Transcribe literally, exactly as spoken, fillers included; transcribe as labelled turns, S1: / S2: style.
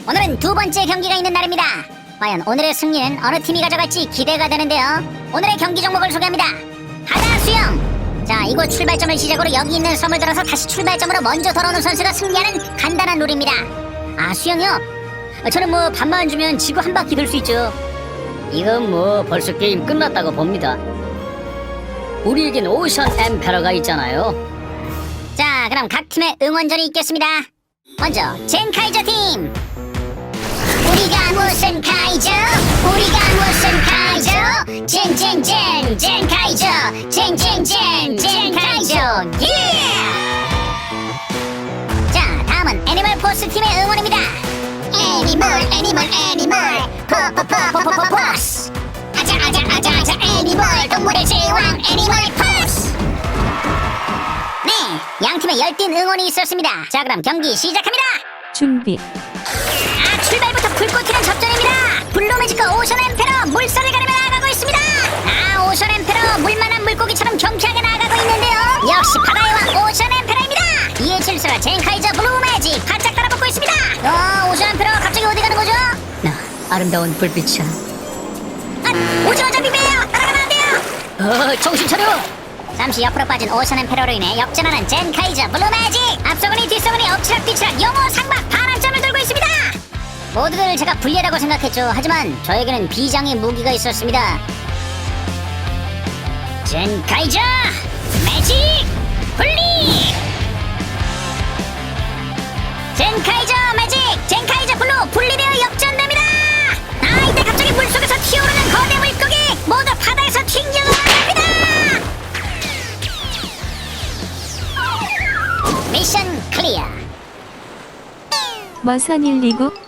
S1: 오늘은 두 번째 경기가 있는 날입니다. 과연 오늘의 승리는 어느 팀이 가져갈지 기대가 되는데요. 오늘의 경기 종목을 소개합니다. 바다 수영. 자, 이곳 출발점을 시작으로 여기 있는 섬을 돌아서 다시 출발점으로 먼저 돌아오는 선수가 승리하는 간단한 룰입니다. 아, 수영이요? 저는 뭐 반만 주면 지구 한 바퀴 돌 수 있죠.
S2: 이건 뭐 벌써 게임 끝났다고 봅니다. 우리에겐 오션 엠페러가 있잖아요.
S1: 자, 그럼 각 팀의 응원전이 있겠습니다. 먼저 젠카이저 팀. 우리가 무슨 카이저? 우리가 무슨 카이저? 젠젠젠 젠카이저 젠젠젠 젠카이저 예! 자, 다음은 애니멀 포스 팀의 응원입니다. 애니멀 애니멀 애니멀 포포포포포포스 아자 아자 아자 아자 애니멀 동물의 제왕 애니멀 포스. 네, 양 팀의 열띤 응원이 있었습니다. 자, 그럼 경기 시작합니다.
S3: 준비.
S1: 아, 출발부터 불꽃 튀는 접전입니다. 블루매직과 오션 엠페러 물살을 가르며 나아가고 있습니다. 아, 오션 엠페러 물만한 물고기처럼 경쾌하게 나아가고 있는데요. 역시 바다의 왕 오션 엠페러입니다. 이에 질서가 젠카이저 블루매직 바짝 따라붙고 있습니다. 어, 오션 엠페러 갑자기 어디 가는 거죠?
S2: 나 아름다운 불빛이야.
S1: 아, 오징어 잡히매요. 따라가면 안 돼요.
S2: 어, 정신 차려.
S1: 잠시 옆으로 빠진 오션 엠페러로 인해 역전하는 젠카이저 블루매직. 앞서거니 뒤서거니 엎치락뒤치락 영어 상박 반환점을 들고 있습니다. 모두들 제가 불리하다고 생각했죠. 하지만 저에게는 비장의 무기가 있었습니다. 젠카이저 매직 분리. 젠카이저 매직 젠카이저 블루 분리되어 역전됩니다. 아, 이때 갑자기 물속에서 튀어오르는 거대 물고기 모두 바다에서 튕겨나갑니다. 미션 클리어.
S3: 머선 일이구